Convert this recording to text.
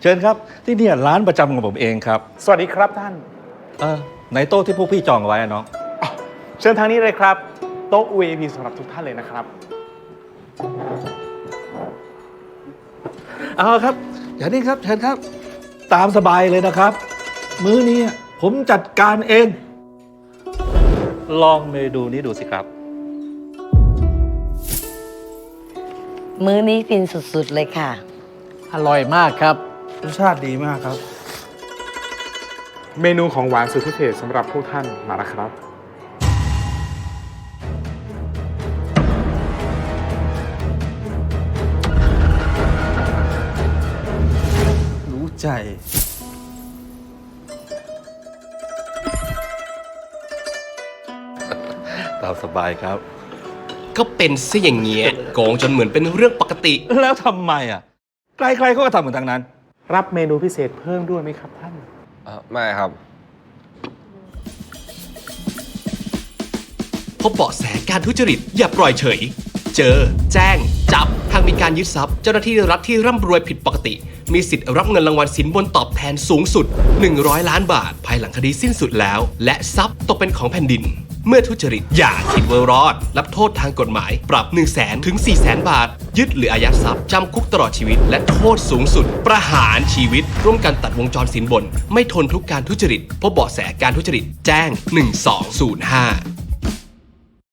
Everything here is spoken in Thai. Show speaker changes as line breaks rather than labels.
เชิญครับที่นี่ร้านประจำของผมเองครับ
สวัสดีครับท่าน
ในโต๊ะที่พวกพี่จองเอาไว้อะน้อง
เชิญทางนี้เลยครับ โต๊ะ VIP สำหรับทุกท่านเลยนะครับ
เอาครับอย่างนี้ครับเชิญครับ ตามสบายเลยนะครับ มื้อนี้ผมจัดการเอง ลองเมนูนี้ดูสิครับ
มื้อนี้ฟินสุดๆเลยค่ะ
อร่อยมากครับ
รสชาติดีมากครับ
เมนูของหวานสุดพิเศษสำหรับพวกท่านมาแล้วครับ
รู้ใจ
ตามสบายครับ
ก็เป็นซะอย่างเงี้ยโกงจนเหมือนเป็นเรื่องปกติ
แล้วทำไมอ่ะใครๆเขาก็ทำเหมือนทางนั้น
รับเมนูพิเศษเพิ่มด้วยไหมครับท่าน
ไม่ครับ
พบเบาะแสการทุจริตอย่าปล่อยเฉย เจอ แจ้ง จับหากมีการยึดทรัพย์ เจ้าหน้าที่รัฐที่ร่ำรวยผิดปกติ มีสิทธิ์รับเงินรางวัลสินบนตอบแทนสูงสุด 100 ล้านบาท ภายหลังคดีสิ้นสุดแล้ว และทรัพย์ตกเป็นของแผ่นดิน เมื่อทุจริตอย่าคิดว่ารอด รับโทษทางกฎหมาย ปรับ 100,000 ถึง 400,000 บาท ยึดหรืออายัดทรัพย์จำคุกตลอดชีวิต และโทษสูงสุด ประหารชีวิต ร่วมกันตัดวงจรสินบน ไม่ทนทุกการทุจริตพบเบาะแสการทุจริตแจ้ง 1205